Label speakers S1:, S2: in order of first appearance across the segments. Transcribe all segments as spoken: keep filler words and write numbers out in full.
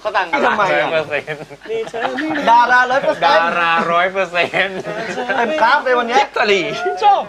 S1: เขาต่างกัน
S2: ทำไม
S3: ร้อย
S2: อ่ะ
S3: เปอร์เซ็นต์
S1: นี่เธอไม่รู้
S2: ดาราร้อยเปอร์เซ็
S3: ดาน
S2: ต์
S3: ราร้อยเปอร์เซ็นต์
S2: เต็มกราฟเลยวันเนี้ย
S3: ตลีชอบ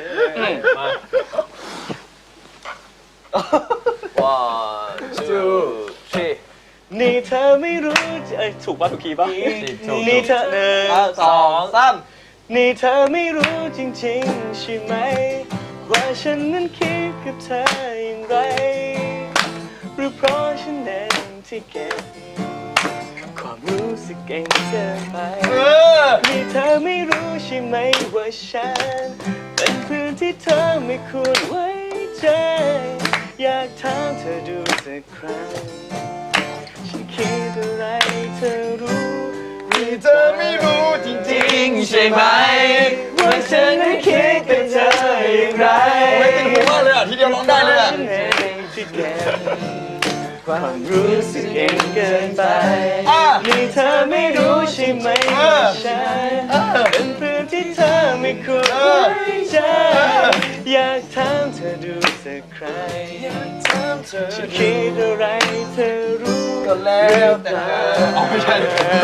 S1: one two three นี่เธอไม่รู้เอ้ยถูกป่ะถูกคีย์ป่ะนี่เธอหนึ่ง
S2: สองสาม
S1: นี่เธอไม่รู้จริงๆใช่ไหมว่าฉันนั้นคิดกับเธออย่างไรหรือเพราะฉันเองที่เก็บความรู้สึกเก่งเกินไป
S2: เออ
S1: นี่เธอไม่รู้ใช่ไหมว่าฉันเป็นเพื่อนที่เธอไม่ควรไว้ใจอยากถามเธอดูสักครั้งฉันคิดอะไรเธอรู้หรือ
S2: เธอไม่รู้จริงๆใช่ไหม
S1: ว่าฉันนั้นคิดกับเธออย่างไร
S2: ไม่ติดหูมากเลยอ่ะทีเดียวร้องได้เลยอ่ะ
S1: ฉันเองที่เก็บความรู้สึกเองเกินไป
S2: อ่ะ
S1: นี่เธอไม่รู้ใช่ไหม
S2: เอ
S1: ว่า
S2: อ
S1: ฉัน
S2: เออ
S1: เป็นเพื่อนที่เธอไม่ควร
S2: เอ
S1: ไว้
S2: อ
S1: ใจอยากถามเธอดูสักครั้งฉันคิดอะไรเธอรู้
S2: ก็แล้วแต่อ๋อไม่ใช่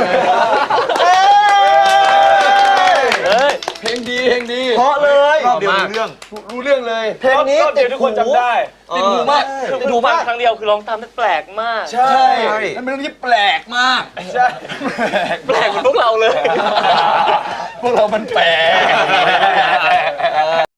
S1: เอ้ย
S2: เพลงดีเพลงดี
S1: เพราะเลย
S2: รอบเดียวรู้เรื่องรู้เรื่องเลย
S1: เพลงนี้ติดหูทุกคนจำได้
S2: ติดหูมาก
S1: คือหูฟังครั้งเดียวคือร้องตามได้แปลกมาก
S2: ใช่มันเป็นเรื่องที่แปลกมากใช่
S1: แปลกเหมือนพวกเราเลย
S2: พวกเรามันแปลก